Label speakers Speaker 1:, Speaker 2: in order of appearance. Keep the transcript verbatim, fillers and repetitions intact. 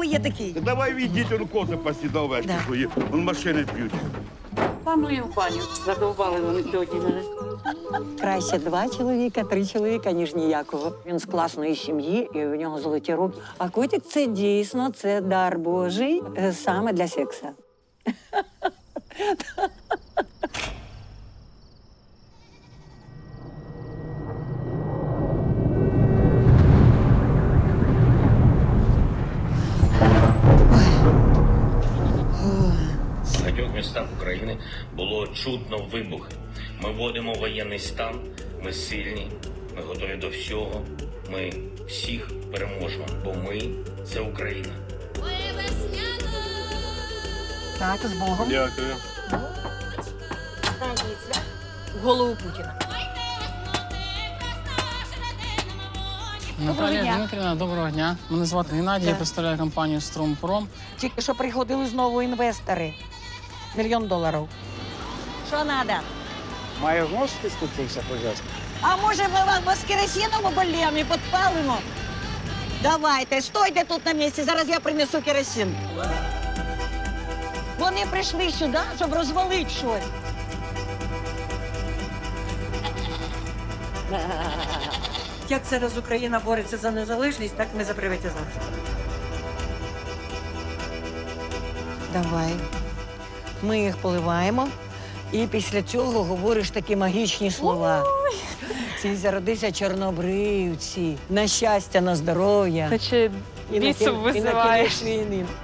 Speaker 1: ви є такий?
Speaker 2: Давай відіть, он кози пасі до овечки
Speaker 1: Да.
Speaker 2: свої, он машини б'ють.
Speaker 3: Паную в баню. Задовбали вони сьогодні мене.
Speaker 4: Краще два чоловіка, три чоловіка, ніж ніякого. Він з класної сім'ї, і у нього золоті руки. А котик це дійсно це дар Божий е, саме для секса.
Speaker 5: В багатьох містах України було чутно вибухи. Ми вводимо воєнний стан, ми сильні, ми готові до всього, ми всіх переможемо, бо ми – це Україна.
Speaker 1: Так, з Богом.
Speaker 2: Дякую.
Speaker 1: Голову Путіна.
Speaker 6: Наталія
Speaker 1: дня.
Speaker 6: Дмитрівна, доброго дня. Мене звати Геннадій, я представляю компанію «Струмпром».
Speaker 1: Тільки що приходили знову інвестори. Мільйон доларів. Що треба?
Speaker 7: Має знову спуститися пожежник?
Speaker 1: А може ми вам вас керосином обольємо і підпалимо? Давайте, стойте тут на місці, зараз я принесу керосин. Вони прийшли сюди, щоб розвалити щось. Як зараз Україна бореться за незалежність, так ми за приватизацію. Давай. Ми їх поливаємо, і після цього говориш такі магічні слова. Ці зародися чорнобривці, на щастя, на здоров'я.
Speaker 8: Наче
Speaker 1: І на
Speaker 8: бісом
Speaker 1: кін- і на
Speaker 8: визиваєш.
Speaker 1: кінець війни.